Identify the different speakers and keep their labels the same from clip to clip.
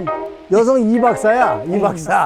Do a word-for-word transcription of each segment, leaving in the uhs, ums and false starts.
Speaker 1: 여성 여성 이 박사야, 이 박사.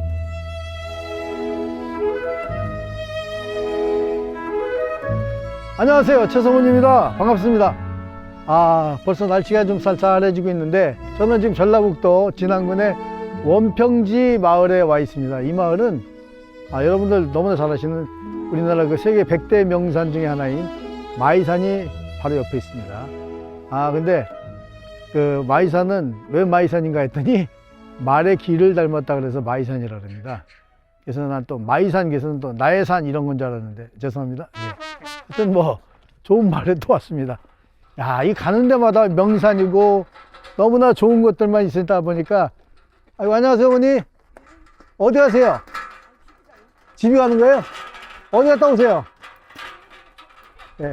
Speaker 1: 안녕하세요, 최성훈입니다. 반갑습니다. 아, 벌써 날씨가 좀 쌀쌀해지고 있는데 저는 지금 전라북도 진안군의 원평지 마을에 와 있습니다. 이 마을은 아, 여러분들 너무나 잘 아시는 우리나라 그 세계 백 대 명산 중에 하나인 마이산이 바로 옆에 있습니다. 아, 근데 그 마이산은 왜 마이산인가 했더니 말의 길을 닮았다 그래서 마이산이라고 합니다. 그래서 난 또 마이산 계서는 또 나의 산 이런 건 줄 알았는데 죄송합니다. 예. 하여튼 뭐 좋은 말에 또 왔습니다. 야, 이 가는 데마다 명산이고 너무나 좋은 것들만 있다 보니까 아이고, 안녕하세요, 어머니. 어디 가세요? 집에 가는 거예요? 어디 갔다 오세요? 예.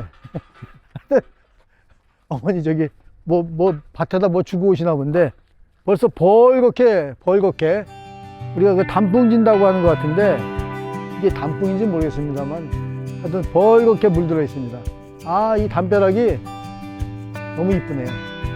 Speaker 1: 어머니 저기 뭐, 뭐 밭에다 뭐 주고 오시나 본데 벌써 벌겋게 벌겋게 우리가 그 단풍 진다고 하는 것 같은데 이게 단풍인지 모르겠습니다만 하여튼 벌겋게 물들어 있습니다. 아, 이 담벼락이 너무 이쁘네요.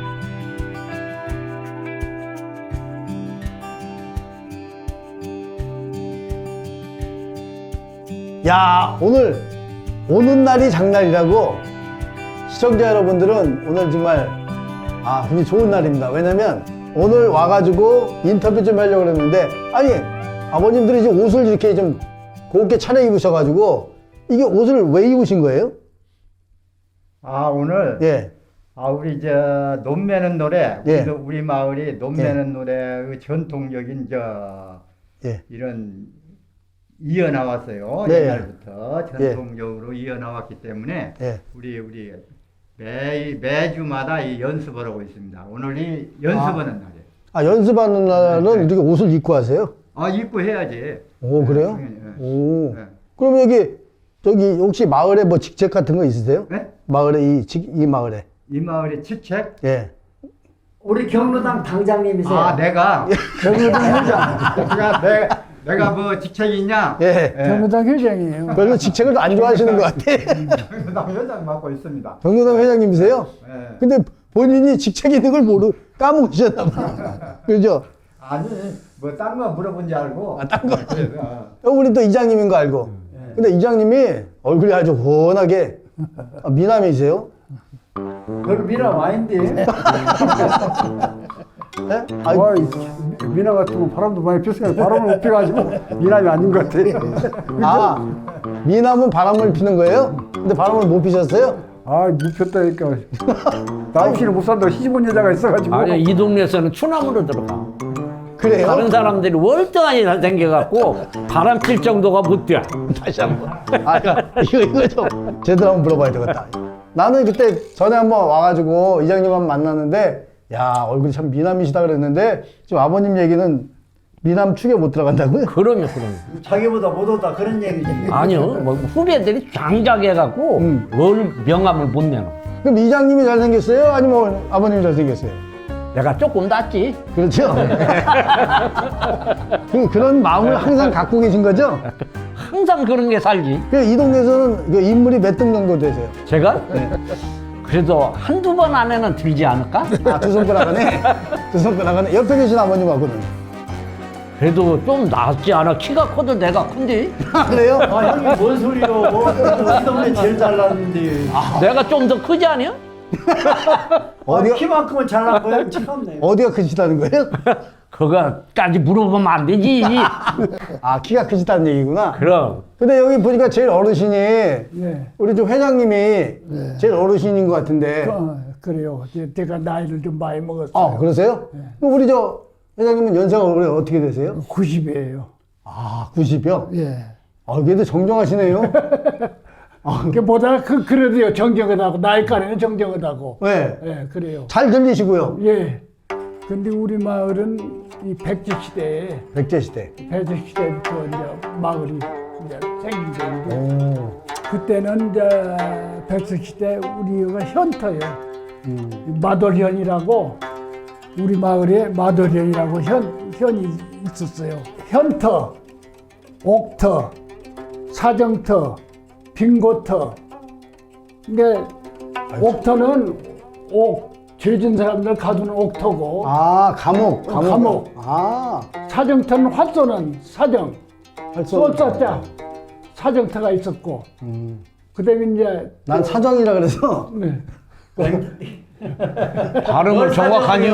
Speaker 1: 야, 오늘 오는 날이 장날이라고 시청자 여러분들은 오늘 정말 아, 굉장히 좋은 날입니다. 왜냐면 오늘 와가지고 인터뷰 좀 하려고 그랬는데 아니, 아버님들이 지금 옷을 이렇게 좀 곱게 차려 입으셔가지고 이게 옷을 왜 입으신 거예요?
Speaker 2: 아, 오늘
Speaker 1: 예.
Speaker 2: 아 우리 저 논매는 노래
Speaker 1: 예.
Speaker 2: 우리, 우리 마을이 논매는 노래 그 전통적인 저
Speaker 1: 예.
Speaker 2: 이런 이어 나왔어요.
Speaker 1: 네.
Speaker 2: 옛날부터 전통적으로 이어 나왔기 때문에
Speaker 1: 예.
Speaker 2: 우리 우리 매 매주마다 이 연습을 하고 있습니다. 오늘이 연습하는 날이에요.
Speaker 1: 아, 연습하는 날은
Speaker 2: 네, 네.
Speaker 1: 이렇게 옷을 입고 하세요?
Speaker 2: 아, 입고 해야지.
Speaker 1: 오, 그래요?
Speaker 2: 네, 네.
Speaker 1: 오.
Speaker 2: 네.
Speaker 1: 그럼 여기 저기 혹시 마을에 뭐 직책 같은 거 있으세요?
Speaker 2: 네?
Speaker 1: 마을에 이, 직- 이 마을에.
Speaker 2: 이 마을의 직책?
Speaker 1: 예.
Speaker 3: 우리 경로당 당장님이세요.
Speaker 2: 아, 내가
Speaker 3: 경로당 회장.
Speaker 2: 내가 내 내가 뭐 직책이 있냐?
Speaker 1: 예.
Speaker 3: 경로당 회장이에요.
Speaker 1: 별로 직책을 안 좋아하시는 것 같아.
Speaker 2: 경로당 회장 맡고 있습니다.
Speaker 1: 경로당 회장님이세요?
Speaker 2: 예.
Speaker 1: 근데 본인이 직책 있는 걸 모르, 까먹으셨나 봐. 그죠?
Speaker 2: 아니, 뭐, 딴 거 물어본 줄 알고.
Speaker 1: 아, 딴 거?
Speaker 2: 그래서, 어.
Speaker 1: 어, 우리 또 이장님인 거 알고. 근데 이장님이 얼굴이 아주 훤하게 아, 미남이세요?
Speaker 3: 별 미남 아닌데.
Speaker 1: 예? 아,
Speaker 4: 와, 미나 같으면 바람도 많이 폈으니까 바람을 못 펴가지고 미남이 아닌 것 같아.
Speaker 1: 아, 미남은 바람을 피는 거예요? 근데 바람을 못 피셨어요?
Speaker 4: 아, 못 폈다니까. 나 없이는 못 산다고 시집온 여자가 있어가지고.
Speaker 5: 아니 이 동네에서는 추남으로 들어가.
Speaker 1: 그래요?
Speaker 5: 다른 사람들이 월등하게 잘생겨갖고 바람 필 정도가 못 돼.
Speaker 1: 다시 한 번. 아, 이거, 이거 좀 제대로 한번 물어봐야 되겠다. 나는 그때 전에 한번 와가지고 이장님 한번 만났는데, 야, 얼굴이 참 미남이시다 그랬는데, 지금 아버님 얘기는 미남 축에 못 들어간다고요?
Speaker 5: 그럼요, 그럼요.
Speaker 3: 자기보다 못하다 그런 얘기지.
Speaker 5: 아니요, 뭐 후배들이 장작해갖고
Speaker 1: 음.
Speaker 5: 월 명함을 못 내놓아.
Speaker 1: 그럼 이장님이 잘생겼어요? 아니면 아버님이 잘생겼어요?
Speaker 5: 내가 조금 낫지.
Speaker 1: 그렇죠? 그, 그런 마음을 항상 갖고 계신 거죠?
Speaker 5: 항상 그런 게 살지.
Speaker 1: 그 이 동네에서는 그 인물이 몇 등 정도 되세요?
Speaker 5: 제가 그래도 한두 번 안에는 들지 않을까?
Speaker 1: 아, 두 손가락 안에? 두 손가락 안에? 옆에 계신 아버님하고는?
Speaker 5: 그래도 좀 낫지 않아? 키가 커도 내가 큰데?
Speaker 1: 아, 그래요?
Speaker 3: 아, 형님 뭔 소리요? 우리 동네 제일 잘났는데.
Speaker 5: 내가 좀 더 크지 않아요?
Speaker 1: 어디가,
Speaker 3: 아, 키만큼은 잘난 거야? 참네.
Speaker 1: 어디가 크시다는 거예요?
Speaker 5: 그거까지 물어보면 안 되지.
Speaker 1: 아, 키가 크시다는 얘기구나.
Speaker 5: 그럼.
Speaker 1: 근데 여기 보니까 제일 어르신이
Speaker 4: 예.
Speaker 1: 우리 좀 회장님이 제일 어르신인 것 같은데.
Speaker 4: 어, 그래요. 이제 내가 나이를 좀 많이 먹었어요.
Speaker 1: 아, 그러세요? 그럼 우리 저 회장님은 연세가 올해 어떻게 되세요?
Speaker 4: 구십이에요.
Speaker 1: 아, 구십이요?
Speaker 4: 예.
Speaker 1: 아, 그래도 정정하시네요.
Speaker 4: 그 보다 그 그래도요 정정하다고 나이까지는 정정하다고.
Speaker 1: 네.
Speaker 4: 예, 그래요.
Speaker 1: 잘 들리시고요.
Speaker 4: 예. 근데 우리 마을은 이 백제 시대에
Speaker 1: 백제 시대.
Speaker 4: 백제 시대부터 이제 마을이 이제 생긴 건데
Speaker 1: 오.
Speaker 6: 그때는 이제 백석시대 우리가 현터예요. 마돌현이라고 우리 마을에 마돌현이라고 현, 현이 있었어요. 현터, 옥터, 사정터, 빙고터. 근데 옥터는 옥, 죄진 사람들 가두는 옥터고
Speaker 1: 아, 감옥,
Speaker 6: 어,
Speaker 1: 감옥.
Speaker 6: 감옥.
Speaker 1: 아,
Speaker 6: 사정터는 활쏘는 사정,
Speaker 1: 활쏘는.
Speaker 6: 쏠사자 사정터가 있었고
Speaker 1: 음.
Speaker 6: 그다음에 이제
Speaker 1: 난 사정이라 그래서.
Speaker 6: 네.
Speaker 5: 발음을 정확하니요.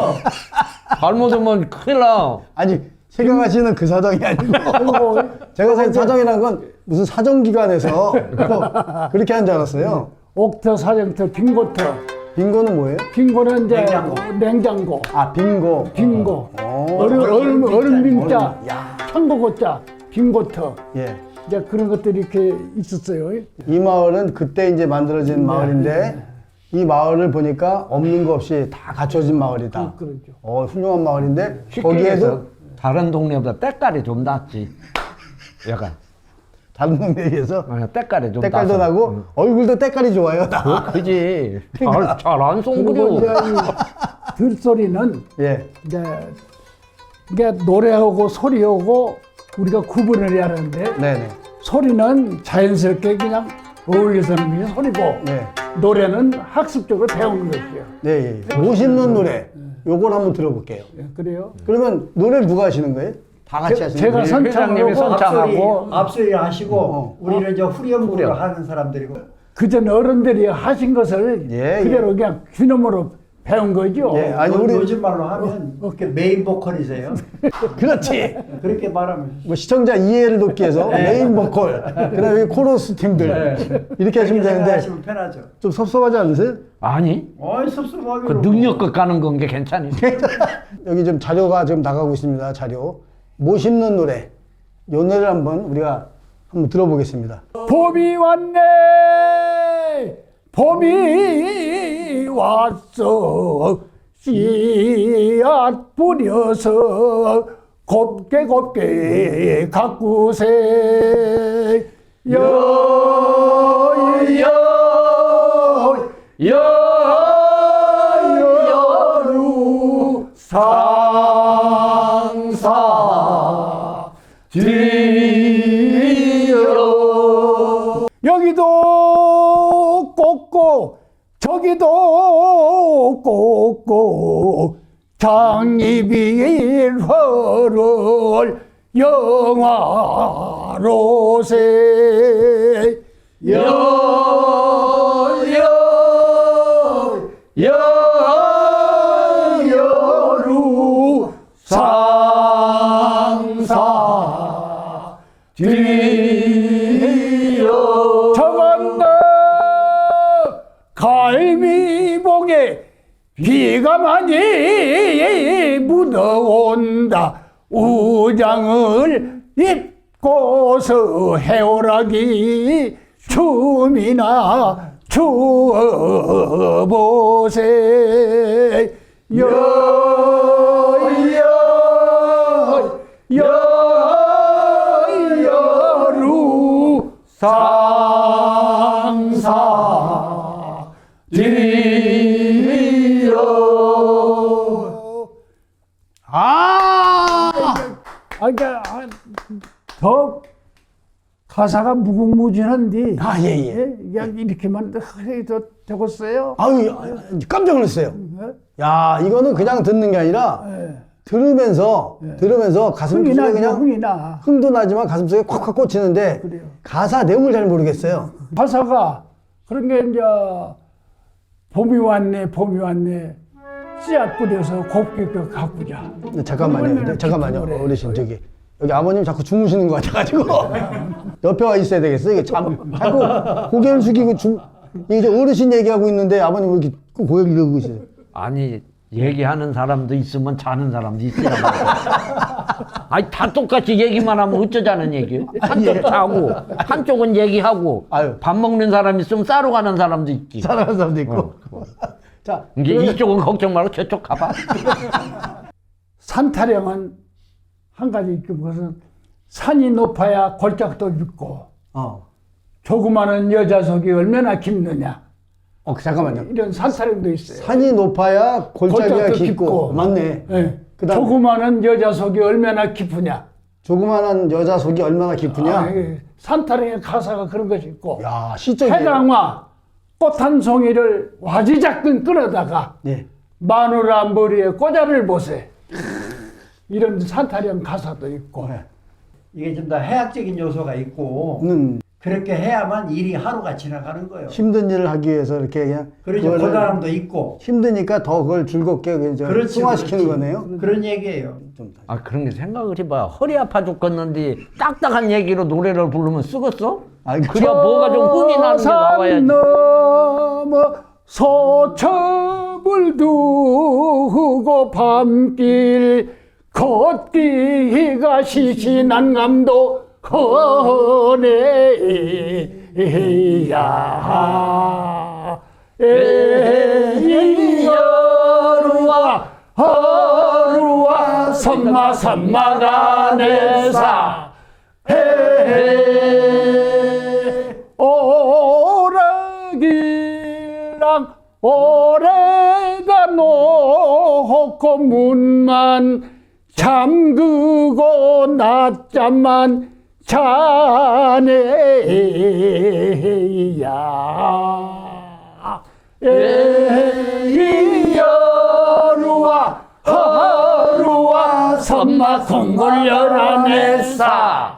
Speaker 5: 잘못하면 큰일 나.
Speaker 1: 아니, 생각하시는 그 사정이 아니고.
Speaker 6: 그리고
Speaker 1: 제가 생각 사정이라는 건 무슨 사정기관에서 뭐 그렇게 한 줄 알았어요.
Speaker 6: 옥터, 사정터, 빙고터.
Speaker 1: 빙고는 뭐예요?
Speaker 6: 빙고는 이제
Speaker 3: 냉장고.
Speaker 6: 냉장고,
Speaker 1: 아, 빙고.
Speaker 6: 빙고.
Speaker 1: 어.
Speaker 6: 얼음, 얼음, 얼음 빙자,
Speaker 1: 야.
Speaker 6: 청고고자, 빙고터.
Speaker 1: 예.
Speaker 6: 이제 그런 것들이 이렇게 있었어요.
Speaker 1: 이 마을은 그때 이제 만들어진 마을인데 이 마을을 보니까 없는 거 없이 다 갖춰진 마을이다.
Speaker 6: 그- 그러죠.
Speaker 1: 어, 훌륭한 마을인데
Speaker 5: 쉽게
Speaker 1: 거기에도
Speaker 5: 얘기해서 다른 동네보다 때깔이 좀 낫지. 약간
Speaker 1: 다른 동네에 비해서
Speaker 5: 어, 때깔이 좀
Speaker 1: 때깔도
Speaker 5: 나서.
Speaker 1: 나고
Speaker 5: 응.
Speaker 1: 얼굴도 때깔이 좋아요. 나.
Speaker 5: 그, 그지.
Speaker 1: 그러니까.
Speaker 5: 잘안
Speaker 6: 그리고 이제
Speaker 5: 송구려.
Speaker 6: 이 들소리는
Speaker 1: 예.
Speaker 6: 이제 이게 노래하고 소리하고 우리가 구분을 해야 하는데
Speaker 1: 네네.
Speaker 6: 소리는 자연스럽게 그냥 어울려서 하는 게 소리고
Speaker 1: 네.
Speaker 6: 노래는 학습적으로 배우는 것이에요.
Speaker 1: 네. 예. 멋있는 노래. 요걸 한번 들어볼게요.
Speaker 6: 예, 그래요.
Speaker 1: 그러면 노래를 누가 하시는 거예요? 다 같이
Speaker 6: 제-
Speaker 1: 하시는
Speaker 6: 제가
Speaker 1: 거예요?
Speaker 6: 선-
Speaker 5: 회장님이
Speaker 6: 선창하고
Speaker 3: 앞소리,
Speaker 6: 선창하고
Speaker 3: 앞소리 하시고
Speaker 1: 어.
Speaker 3: 우리는 이제 후렴구를
Speaker 5: 후렴.
Speaker 3: 하는 사람들이고
Speaker 6: 그전 어른들이 하신 것을
Speaker 1: 예,
Speaker 6: 그대로 그냥 귀놈으로 배운 거죠.
Speaker 1: 예, 아니,
Speaker 3: 요-
Speaker 1: 우리-
Speaker 3: 요즘 말로 하면
Speaker 6: 어,
Speaker 3: 그 메인 보컬이세요.
Speaker 1: 그렇지.
Speaker 3: 그렇게 말하면
Speaker 1: 뭐 시청자 이해를 돕기 위해서 메인 보컬, 그다음에 코러스 팀들 이렇게 하시면 되는데
Speaker 3: 생각하시면 편하죠.
Speaker 1: 좀 섭섭하지 않으세요?
Speaker 5: 아니,
Speaker 3: 어이 섭섭하게
Speaker 5: 그 능력껏 가는 건 게 괜찮니?
Speaker 1: 여기 좀 자료가 지금 나가고 있습니다. 자료. 못 씹는 노래. 요 노래를 한번 우리가 한번 들어보겠습니다.
Speaker 6: 봄이 왔네, 봄이 왔어, 씨앗 뿌려서 곱게 곱게 가꾸세. 여여 여여루 상사 드려. 여기도 꽂고 저기도 꽂고 장입이 헐을 영화로세. 여여 여여루 상사 드려. 저건너 갈미봉에 비가 많이 묻어온다. 우장을 입고서 해오라기 춤이나 추어보세. 여여 여여루 상사 드려.
Speaker 1: 아!
Speaker 6: 아, 그러니까 아, 더 가사가 무궁무진한데
Speaker 1: 아, 예, 예.
Speaker 6: 그냥 이렇게만 해도 되겠어요?
Speaker 1: 아유, 아유, 깜짝 놀랐어요.
Speaker 6: 네?
Speaker 1: 야, 이거는 그냥 듣는 게 아니라
Speaker 6: 네.
Speaker 1: 들으면서 들으면서 가슴
Speaker 6: 흥이
Speaker 1: 속에
Speaker 6: 나죠,
Speaker 1: 그냥
Speaker 6: 흥이 나.
Speaker 1: 흥도 나지만 가슴 속에 콱콱 꽂히는데
Speaker 6: 그래요.
Speaker 1: 가사 내용을 잘 모르겠어요.
Speaker 6: 가사가 그런 게 이제 봄이 왔네, 봄이 왔네, 씨앗 뿌려서 곱게 가꾸자.
Speaker 1: 근데 잠깐만요.
Speaker 6: 그러면은
Speaker 1: 근데 잠깐만요.
Speaker 6: 노래.
Speaker 1: 어르신 저기 여기 아버님 자꾸 주무시는 것 같아가지고 옆에 와 있어야 되겠어. 이게 참 자꾸 고개를 숙이고 주 이제 어르신 얘기하고 있는데 아버님 왜 이렇게 꼭 고개를 들고 계세요?
Speaker 5: 아니, 얘기하는 사람도 있으면 자는 사람도 있으란 말이야. 아니, 다 똑같이 얘기만 하면 어쩌자는 얘기예요? 한쪽 자고, 한쪽은 얘기하고,
Speaker 1: 아유.
Speaker 5: 밥 먹는 사람 있으면 싸러 가는 사람도 있지.
Speaker 1: 사랑하는 사람도 있고.
Speaker 5: 어.
Speaker 1: 자,
Speaker 5: 이제
Speaker 1: 그러면-
Speaker 5: 이쪽은 걱정 말고 저쪽 가봐.
Speaker 6: 산타령은 한 가지 있고 그것은 산이 높아야 골짜기도 있고
Speaker 1: 어.
Speaker 6: 조그마한 여자 속이 얼마나 깊느냐.
Speaker 1: 어, 잠깐만요.
Speaker 6: 이런 산타령도 있어요.
Speaker 1: 산이 높아야 골짜기가
Speaker 6: 골짜기도
Speaker 1: 깊고.
Speaker 6: 깊고.
Speaker 1: 맞네.
Speaker 6: 예.
Speaker 1: 그다음-
Speaker 6: 조그마한 여자 속이 얼마나 깊으냐.
Speaker 1: 조그만한 여자 속이 얼마나 깊으냐.
Speaker 6: 아, 예. 산타령의 가사가 그런 것이 있고.
Speaker 1: 야, 시적이에요.
Speaker 6: 해강화 꽃 한 송이를 와지작근 끌어다가
Speaker 1: 네.
Speaker 6: 마누라 머리에 꽂아를 보세. 이런 산타령 가사도 있고.
Speaker 1: 네.
Speaker 3: 이게 좀 더 해학적인 요소가 있고
Speaker 1: 는
Speaker 3: 그렇게 해야만 일이 하루가 지나가는 거예요.
Speaker 1: 힘든 일을 하기 위해서 이렇게 그냥
Speaker 3: 그러죠.
Speaker 1: 그거를
Speaker 3: 고단함도 있고
Speaker 1: 힘드니까 더 그걸 즐겁게 이제
Speaker 3: 그렇지,
Speaker 1: 승화시키는
Speaker 3: 그렇지.
Speaker 1: 거네요.
Speaker 3: 그런 얘기예요.
Speaker 1: 좀
Speaker 5: 아 그런 게 생각을 해봐. 허리 아파 죽겠는데 딱딱한 얘기로 노래를 부르면 쓰겠어?
Speaker 1: 아이고.
Speaker 5: 그래야 뭐가 좀 흥이 나는 게 나와야지.
Speaker 6: 넘어 소첩을 두고 밤길 걷기가 시시난감도 허네야 에이여루와 허루와 선마 선마간에사 헤 오라기랑 오래가 놓고 문만 잠그고 낮잠만 자네야 에이여루와 허루와 선마 콩골열안에사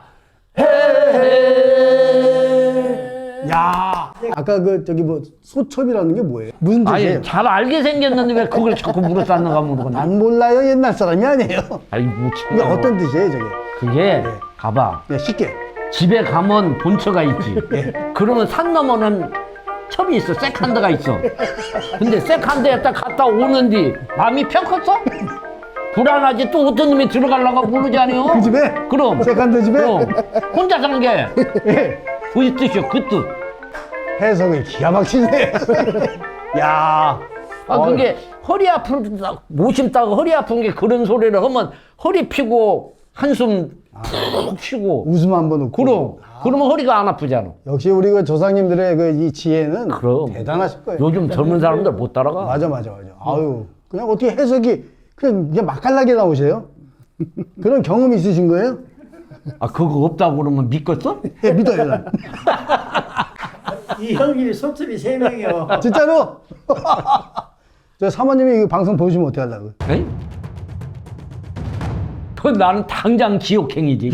Speaker 1: 야, 아까 그 저기 뭐 소첩이라는 게 뭐예요? 무슨 뜻이에요?
Speaker 5: 아니 잘 알게 생겼는데 왜 그걸 자꾸 물어쌌는가 모르겠네.
Speaker 1: 안 몰라요. 옛날 사람이 아니에요.
Speaker 5: 아이고
Speaker 1: 이게
Speaker 5: 참.
Speaker 1: 어떤 뜻이에요, 저게?
Speaker 5: 그게 가봐.
Speaker 1: 네, 쉽게.
Speaker 5: 집에 가면 본처가 있지. 그러면 산 너머는 첩이 있어. 세컨드가 있어. 근데 세컨드에 딱 갔다 오는디 마음이 펴컸어? 불안하지. 또 어떤 놈이 들어가려고 부르지 않아요?
Speaker 1: 그 집에?
Speaker 5: 그럼.
Speaker 1: 세컨드 집에?
Speaker 5: 그럼. 혼자 산 게.
Speaker 1: 예.
Speaker 5: 그 뜻이요. 그 뜻.
Speaker 1: 해석을 기가 막히네. 야.
Speaker 5: 아, 그게 허리 아픈, 모심 따고 허리 아픈 게 그런 소리를 하면 허리 피고 한숨 푹 쉬고.
Speaker 1: 웃음 한번 웃고.
Speaker 5: 그럼. 그러면 허리가 안 아프잖아.
Speaker 1: 역시 우리 그 조상님들의 그 이 지혜는
Speaker 5: 그럼.
Speaker 1: 대단하실 거예요.
Speaker 5: 요즘 젊은 사람들 못 따라가.
Speaker 1: 맞아, 맞아, 맞아. 아유, 그냥 어떻게 해석이 그냥, 그냥 맛깔나게 나오세요? 그런 경험이 있으신 거예요?
Speaker 5: 아, 그거 없다고 그러면 믿겠어?
Speaker 1: 예, 믿어요. 난.
Speaker 3: 이 형님이 소첩이 세 명이요.
Speaker 1: 진짜로? 저 사모님이 이 방송 보시면 어떻게 하려고?
Speaker 5: 에이? 그 나는 당장 지옥행이지.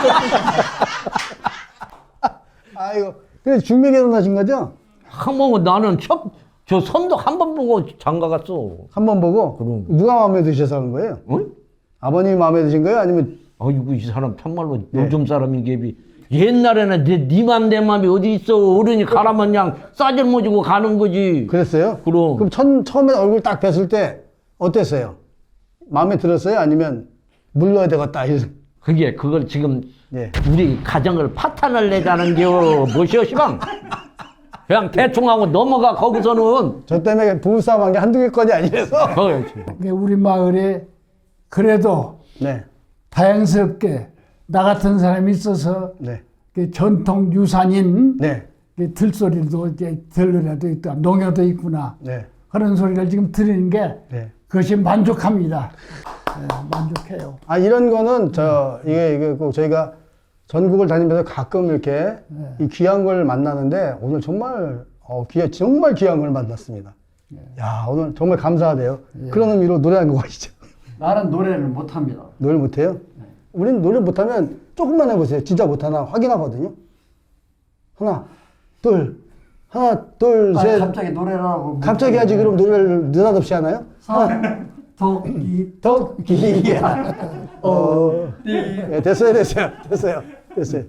Speaker 1: 아이고. 그래, 중매 결혼하신 거죠?
Speaker 5: 한번 나는 첫, 저 선도 한 번 보고 장가 갔어.
Speaker 1: 한 번 보고?
Speaker 5: 그럼.
Speaker 1: 누가 마음에 드셔서 하는 거예요?
Speaker 5: 응?
Speaker 1: 아버님이 마음에 드신 거예요? 아니면
Speaker 5: 아이고, 이 사람 참말로
Speaker 1: 네.
Speaker 5: 요즘 사람인 게 옛날에는 내, 네 맘, 내 맘이 어디 있어. 어른이 가라면 그냥 싸질모지고 가는 거지.
Speaker 1: 그랬어요?
Speaker 5: 그럼.
Speaker 1: 그럼 첫, 처음에 얼굴 딱 뵀을 때 어땠어요? 마음에 들었어요? 아니면 물러야 되겠다? 이런-
Speaker 5: 그게, 그걸 지금
Speaker 1: 예.
Speaker 5: 우리 가정을 파탄을 내자는 겨. 뭐시오, 시방? 그냥 대충 하고 넘어가, 거기서는.
Speaker 1: 저 때문에 부부싸움 한 게 한두 개 건이 아니라서.
Speaker 5: 그렇지.
Speaker 6: 우리 마을에 그래도
Speaker 1: 네.
Speaker 6: 다행스럽게 나 같은 사람이 있어서
Speaker 1: 네.
Speaker 6: 그 전통 유산인
Speaker 1: 네.
Speaker 6: 그 들소리도 이제 들으라도 있다, 농어도 있구나
Speaker 1: 네.
Speaker 6: 그런 소리를 지금 들으는 게
Speaker 1: 네.
Speaker 6: 그것이 만족합니다. 네, 만족해요.
Speaker 1: 아, 이런 거는 저, 이게, 이게 꼭 저희가 전국을 다니면서 가끔 이렇게 이 귀한 걸 만나는데 오늘 정말, 어, 귀, 정말 귀한 걸 만났습니다. 야, 오늘 정말 감사하대요. 그런 의미로 노래 한 곡 하시죠.
Speaker 3: 나는 노래를 못합니다.
Speaker 1: 노래 못해요? 우리는 노래 못하면 조금만 해보세요. 진짜 못하나 확인하거든요. 하나, 둘, 하나, 둘,
Speaker 3: 아,
Speaker 1: 셋.
Speaker 3: 갑자기 노래를 하고
Speaker 1: 갑자기 하지 그럼 노래를 느닷없이 하나요?
Speaker 3: 도끼
Speaker 1: 토끼야. 어. 네, 됐어요, 됐어요, 됐어요, 됐어요.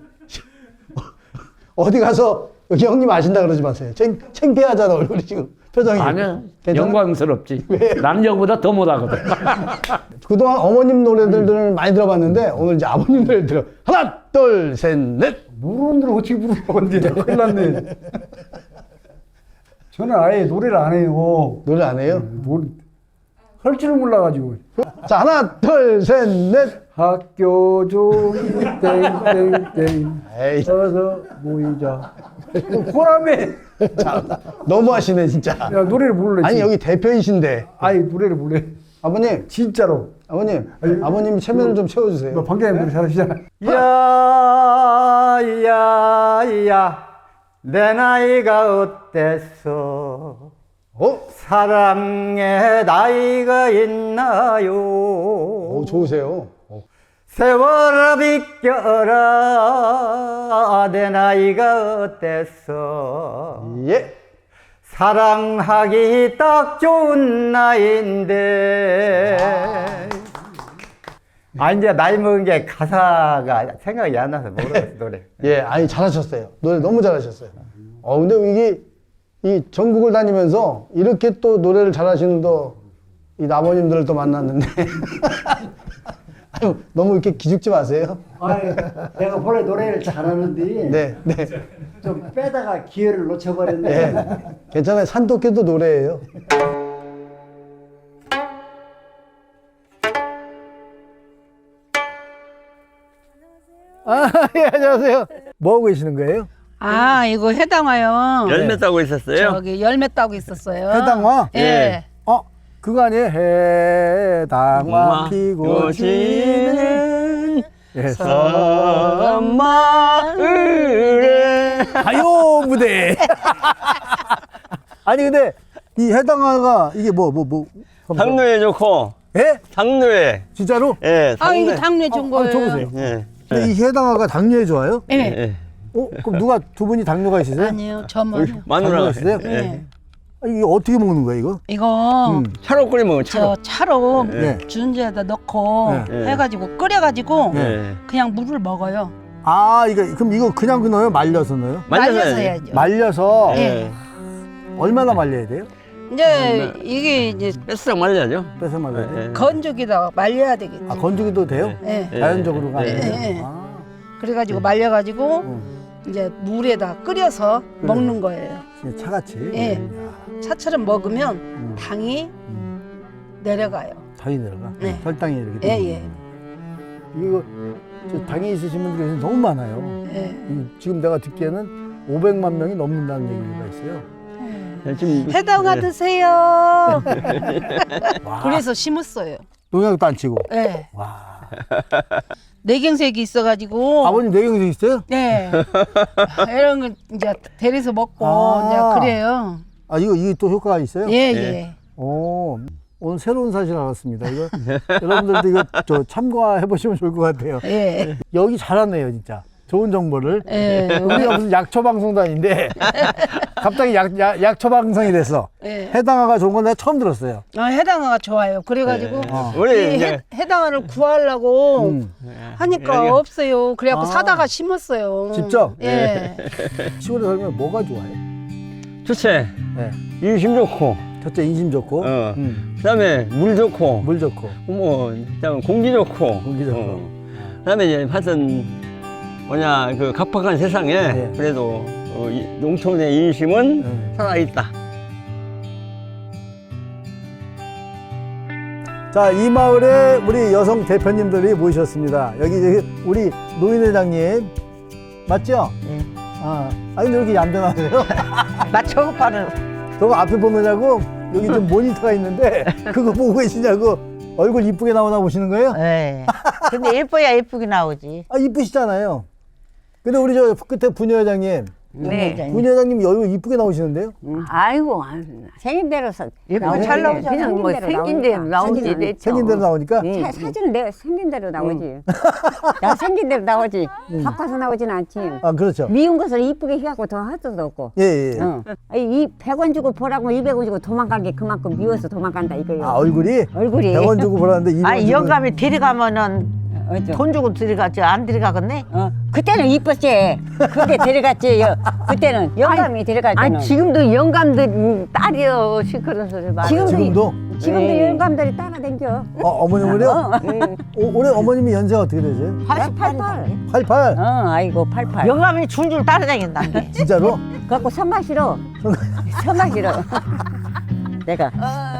Speaker 1: 어디 가서 여기 형님 아신다 그러지 마세요. 창, 창피하잖아 얼굴이 지금 표정이.
Speaker 5: 아니야.
Speaker 1: 괜찮아?
Speaker 5: 영광스럽지.
Speaker 1: 왜?
Speaker 5: 남녀보다 더 못하거든.
Speaker 1: 그동안 어머님 노래들을 많이 들어봤는데 오늘 이제 아버님 노래 들어. 하나, 둘, 셋, 넷.
Speaker 4: 모르는 대로 어떻게 부르는 건데 큰일 났네. 저는 아예 노래를 안 해요.
Speaker 1: 노래 안 해요?
Speaker 4: 뭘 할 줄을 몰라가지고.
Speaker 1: 자, 하나, 둘, 셋, 넷.
Speaker 4: 학교 종이 땡땡땡
Speaker 1: 에이,
Speaker 4: 어서 모이자. 호람에.
Speaker 1: 너무 하시네, 진짜.
Speaker 4: 야 노래를 부르래.
Speaker 1: 아니, 여기 대표이신데.
Speaker 4: 아니 노래를 부르래.
Speaker 1: 아버님,
Speaker 4: 진짜로.
Speaker 1: 아버님, 아버님이 체면을 좀
Speaker 4: 너
Speaker 1: 채워주세요.
Speaker 4: 방장님 노래 잘하시잖아.
Speaker 2: 야야야 내 나이가 어땠어
Speaker 1: 어?
Speaker 2: 사랑의 나이가 있나요
Speaker 1: 오, 좋으세요.
Speaker 2: 세월아 비껴라 내 나이가 어땠어
Speaker 1: 예.
Speaker 2: 사랑하기 딱 좋은 나이인데 아 이제 나이 먹은 게 가사가 생각이 안 나서 모르겠어 노래.
Speaker 1: 예, 아니, 잘하셨어요. 노래 너무 잘하셨어요. 어, 근데 이게, 이 전국을 다니면서 이렇게 또 노래를 잘하시는 또, 이 아버님들을 또 만났는데. 아유, 너무 이렇게 기죽지 마세요.
Speaker 3: 아니, 내가 원래 노래를 잘하는데
Speaker 1: 네, 네.
Speaker 3: 좀 빼다가 기회를 놓쳐버렸네.
Speaker 1: 네. 괜찮아요. 산토끼도 노래예요. 아, 예, 안녕하세요. 뭐 하고 계시는 거예요?
Speaker 7: 아, 이거 해당화요.
Speaker 8: 열매 따고 있었어요.
Speaker 7: 저기 열매 따고 있었어요.
Speaker 1: 해당화?
Speaker 7: 예.
Speaker 1: 어, 그거 아니에요? 해당화 피고 지는
Speaker 8: 마을에
Speaker 1: 가요 무대. 아니 근데 이 해당화가 이게 뭐 뭐 뭐.
Speaker 8: 당뇨에 좋고.
Speaker 1: 예?
Speaker 8: 당뇨에.
Speaker 1: 진짜로?
Speaker 8: 예.
Speaker 7: 아, 이거 당뇨 준
Speaker 1: 아,
Speaker 7: 거예요.
Speaker 1: 줘보세요.
Speaker 8: 예.
Speaker 1: 근데 이 해당화가 당뇨에 좋아요?
Speaker 7: 예.
Speaker 8: 예.
Speaker 1: 어? 그럼 누가 두 분이 당뇨가 있으세요?
Speaker 7: 아니요, 저만.
Speaker 8: 마누라.
Speaker 1: 당뇨가 있으세요?
Speaker 7: 예.
Speaker 1: 아, 이게 어떻게 먹는 거예요 이거?
Speaker 7: 이거
Speaker 1: 음.
Speaker 8: 차로 끓여 먹으면 차로.
Speaker 7: 저 차로
Speaker 1: 네.
Speaker 7: 주전자에다 넣고
Speaker 8: 네.
Speaker 7: 해가지고 끓여가지고
Speaker 8: 예.
Speaker 7: 그냥 물을 먹어요.
Speaker 1: 아 이거 그럼 이거 그냥 넣어요? 말려서 넣어요?
Speaker 7: 말려서
Speaker 8: 말려서
Speaker 7: 해야죠.
Speaker 1: 말려서
Speaker 7: 예.
Speaker 1: 얼마나 말려야 돼요?
Speaker 7: 이제 이게 이제
Speaker 8: 뺏어 말려야죠.
Speaker 1: 빼서 말려야 돼요?
Speaker 8: 예.
Speaker 7: 건조기다가 말려야 되겠지.
Speaker 1: 아 건조기도 돼요?
Speaker 7: 예.
Speaker 8: 예.
Speaker 1: 자연적으로가
Speaker 8: 예.
Speaker 1: 아니에요?
Speaker 7: 예.
Speaker 1: 아.
Speaker 7: 그래가지고 말려가지고
Speaker 1: 음.
Speaker 7: 이제 물에다 끓여서 먹는 거예요.
Speaker 1: 그냥 차같이?
Speaker 7: 예.
Speaker 1: 야,
Speaker 7: 차처럼 먹으면
Speaker 1: 음.
Speaker 7: 당이 내려가요.
Speaker 1: 당이 내려가?
Speaker 7: 네.
Speaker 1: 혈당이 이렇게
Speaker 7: 예,
Speaker 1: 되는
Speaker 7: 예.
Speaker 1: 이거 저 당이 있으신 분들이 요새 너무 많아요.
Speaker 7: 예.
Speaker 1: 이- 지금 내가 듣기에는 오백만 명이 넘는다는 얘기가 있어요.
Speaker 8: 예, 지금
Speaker 7: 해당화
Speaker 8: 예.
Speaker 7: 드세요.
Speaker 1: 와.
Speaker 7: 그래서 심었어요.
Speaker 1: 농약도 안 치고.
Speaker 7: 예.
Speaker 1: 와.
Speaker 7: 내경색이 있어가지고.
Speaker 1: 아버님 뇌경색 있어요?
Speaker 7: 네. 이런 거 이제 데려서 먹고
Speaker 1: 아.
Speaker 7: 이제 그래요.
Speaker 1: 아 이거 이게 또 효과가 있어요?
Speaker 7: 예, 예.
Speaker 1: 오, 오늘 새로운 사실 알았습니다. 이거 여러분들도 이거 저 참고해 보시면 좋을 것 같아요.
Speaker 7: 예.
Speaker 1: 여기 잘하네요, 진짜. 좋은 정보를.
Speaker 7: 예.
Speaker 1: 우리가 무슨 약초 방송도 아닌데 갑자기 약, 약, 약초 방송이 됐어.
Speaker 7: 예.
Speaker 1: 해당화가 좋은 건 내가 처음 들었어요.
Speaker 7: 아, 해당화가 좋아요. 그래가지고
Speaker 1: 어.
Speaker 8: 우리
Speaker 7: 이
Speaker 8: 이제
Speaker 7: 해, 해당화를 구하려고
Speaker 1: 음.
Speaker 7: 하니까
Speaker 8: 여기-
Speaker 7: 없어요. 그래갖고
Speaker 1: 아.
Speaker 7: 사다가 심었어요.
Speaker 1: 직접?
Speaker 7: 예.
Speaker 1: 시골에 살면 뭐가 좋아해?
Speaker 8: 첫째
Speaker 1: 네.
Speaker 8: 인심 좋고.
Speaker 1: 첫째 인심 좋고,
Speaker 8: 어.
Speaker 1: 음,
Speaker 8: 그다음에 물 좋고.
Speaker 1: 물 좋고,
Speaker 8: 뭐 그다음 공기 좋고.
Speaker 1: 공기 좋고.
Speaker 8: 어. 그다음에 이제 하여튼 뭐냐 그 각박한 세상에
Speaker 1: 네.
Speaker 8: 그래도 어, 이 농촌의 인심은
Speaker 1: 네.
Speaker 8: 살아 있다.
Speaker 1: 자, 이 마을에 우리 여성 대표님들이 모이셨습니다. 여기 저기 우리 노인회장님 맞죠?
Speaker 9: 네.
Speaker 1: 아, 아 근데 왜 이렇게 얌전하세요?
Speaker 9: 나 저거 봐라.
Speaker 1: 저거 앞에 보느냐고 여기 좀 모니터가 있는데 그거 보고 계시냐고 얼굴 이쁘게 나오나 보시는 거예요?
Speaker 9: 네. 근데 예뻐야 예쁘게 나오지.
Speaker 1: 아 이쁘시잖아요. 근데 우리 저 끝에 부녀회장님,
Speaker 9: 네.
Speaker 1: 부녀회장님 얼굴 이쁘게 나오시는데요?
Speaker 9: 아이고, 생긴 대로 예쁘게 잘 나오지. 그냥 뭐 생긴 대로 나오지. 내
Speaker 1: 생긴 대로 나오니까.
Speaker 9: 사, 사진은 내가 생긴 대로 나오지. 나 생긴 대로 나오지. 바빠서 나오진 않지.
Speaker 1: 아 그렇죠.
Speaker 9: 미운 것을 이쁘게 해갖고 더 할 수도 없고.
Speaker 1: 예 예.
Speaker 9: 어. 이 백 원 주고 보라고 이백 원 주고 도망간 게 그만큼 미워서 도망간다 이거요.
Speaker 1: 아 얼굴이
Speaker 9: 얼굴이.
Speaker 1: 백 원 주고 보라는데 이백 원
Speaker 10: 아니
Speaker 1: 주고.
Speaker 10: 영감이 데려가면은
Speaker 9: 어쩌?
Speaker 10: 돈 주고 들어가지 안 들어가겠네?
Speaker 9: 어. 그때는 이뻤지. 그때 데려갔지. 여, 그때는 영감이 데려갈 때는.
Speaker 10: 아니 지금도 영감들 딸이여 시 그런 소리 말.
Speaker 9: 지금도
Speaker 1: 지금도?
Speaker 9: 지금도
Speaker 10: 네.
Speaker 9: 영감들이 따라다녀.
Speaker 1: 어, 어머님을요?
Speaker 9: 어,
Speaker 1: 오, 올해 어머님이 연세가 어떻게 되세요?
Speaker 9: 팔십팔.
Speaker 1: 팔십팔.
Speaker 9: 어, 아이고 팔팔.
Speaker 10: 영감이 줄줄 따라다닌다는데.
Speaker 1: 진짜로?
Speaker 9: 갖고 선마 싫어. 선마 싫어. 내가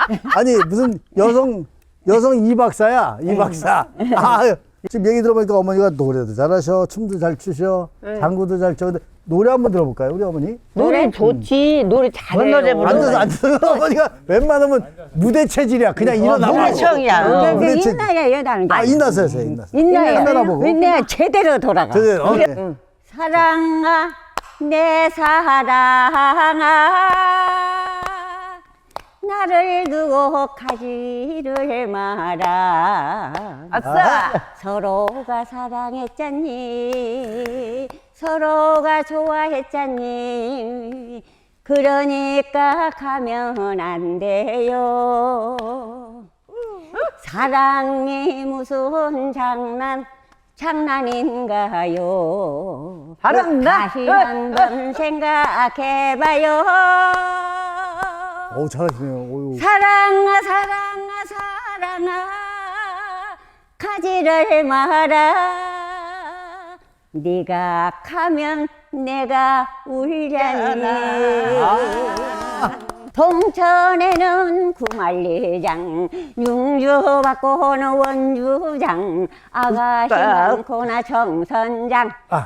Speaker 1: 아니 무슨 여성 여성 이 박사야 이 박사. 아 지금 얘기 들어보니까 어머니가 노래도 잘하셔, 춤도 잘 추셔, 장구도 잘 쳐. 근데 노래 한번 들어볼까요, 우리 어머니?
Speaker 7: 노래 좋지. 노래 잘해요.
Speaker 10: 노래 부르-
Speaker 1: 앉아서 앉아서 어머니가 웬만하면 무대 체질이야. 그냥 일어나고.
Speaker 10: 무대청이야.
Speaker 7: 어,
Speaker 1: 무대 체-
Speaker 7: 인나야 여다는 거.
Speaker 1: 아 인나서 하세요, 인나서.
Speaker 7: 인나야.
Speaker 1: 카메라 보고.
Speaker 7: 인나야 제대로 돌아가.
Speaker 1: 제대로. 어, 네.
Speaker 7: 사랑아 내 사랑아 나를 두고 가지를 마라.
Speaker 10: 아싸.
Speaker 7: 서로가 사랑했잖니 서로가 좋아했잖니 그러니까 가면 안 돼요. 사랑이 무슨 장난 장난인가요?
Speaker 10: 잘한다.
Speaker 7: 다시 한번 생각해봐요.
Speaker 1: 오 잘하시네요. 오유.
Speaker 7: 사랑아 사랑아 사랑아 가지를 마라. 네가 가면 내가 울자니. 동천에는 구만리장 융주 받고는 원주장 아가씨 많고나 정선장
Speaker 1: 아.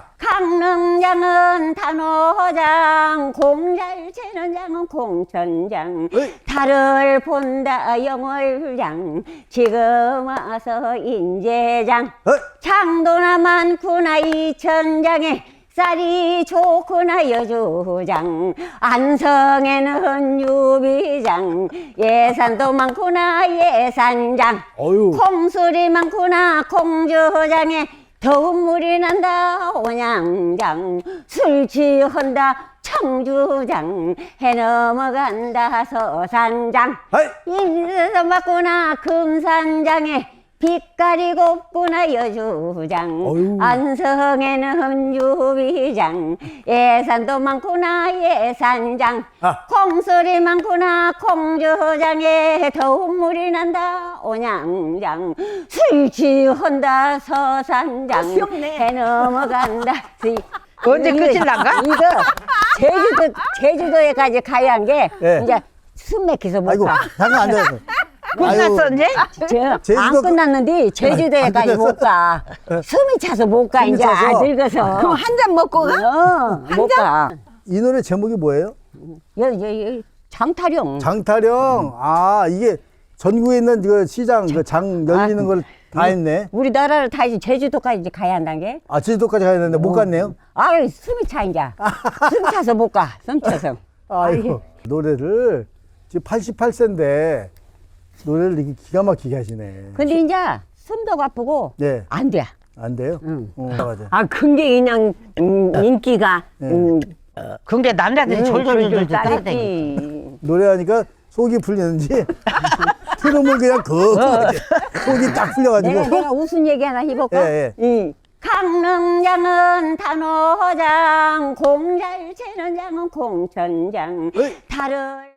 Speaker 7: 강릉장은 단호장 공잘 채는 장은 공천장 달을 본다 영월장 지금 와서 인제장
Speaker 1: 어이.
Speaker 7: 장도나 많구나 이천장에 쌀이 좋구나 여주장 안성에는 유비장 예산도 많구나 예산장
Speaker 1: 어유.
Speaker 7: 콩술이 많구나 콩주장에 더운 물이 난다 온양장 술 취한다 청주장 해 넘어간다 서산장
Speaker 1: 아이.
Speaker 7: 인선 맞구나 금산장에 빛깔이 곱구나 여주장
Speaker 1: 어휴.
Speaker 7: 안성에는 유비장 예산도 많구나 예산장
Speaker 1: 아.
Speaker 7: 콩소리 많구나 콩주장에 더운 물이 난다 온양장 술 취한다 서산장 해 넘어간다 시-
Speaker 10: 언제
Speaker 7: 이거-
Speaker 10: 끝이 난가?
Speaker 7: 이거 제주도 제주도에까지 가야 한 게
Speaker 1: 예.
Speaker 7: 이제 숨 막혀서 못
Speaker 1: 아이고
Speaker 7: 가.
Speaker 1: 잠깐 앉아서.
Speaker 10: 끝났어 이제?
Speaker 7: 저,
Speaker 1: 제주도
Speaker 7: 안
Speaker 1: 그-
Speaker 7: 끝났는데 제주도에까지
Speaker 1: 안
Speaker 7: 못 가. 숨이 차서 못 가.
Speaker 1: 숨이
Speaker 7: 이제
Speaker 1: 차서?
Speaker 7: 아, 늙어서.
Speaker 10: 그럼 한 잔 먹고 가?
Speaker 7: 어, 못 가.
Speaker 1: 이 노래 제목이 뭐예요?
Speaker 7: 여, 여, 여, 장타령.
Speaker 1: 장타령. 아 이게 전국에 있는 그 시장 그 장 열리는 걸 다 했네.
Speaker 7: 우리나라를 다 이제 제주도까지 이제 가야 한다는 게.
Speaker 1: 아 제주도까지 가야 되는데 못 갔네요.
Speaker 7: 아, 숨이 차 이제. 숨 차서 못 가. 숨 차서.
Speaker 1: 아이고 노래를 지금 팔십팔 세인데 노래를 이렇게 기가 막히게 하시네.
Speaker 7: 근데 이제 숨도 아프고
Speaker 1: 네.
Speaker 7: 안 돼.
Speaker 1: 안 돼요?
Speaker 7: 응.
Speaker 1: 어, 맞아.
Speaker 9: 아, 근데 그냥 음, 인기가
Speaker 1: 네.
Speaker 9: 음,
Speaker 10: 근데 남자들이
Speaker 7: 음,
Speaker 10: 졸졸졸졸
Speaker 7: 졸졸
Speaker 10: 따라다니.
Speaker 7: 따르지.
Speaker 1: 노래하니까 속이 풀리는지 트름을 그냥 그 속이 딱 풀려가지고.
Speaker 9: 내가, 내가 무슨 얘기 하나 해볼까?
Speaker 1: 예, 예.
Speaker 9: 응. 강릉장은 단호장, 공잘 채는 장은 공천장, 달을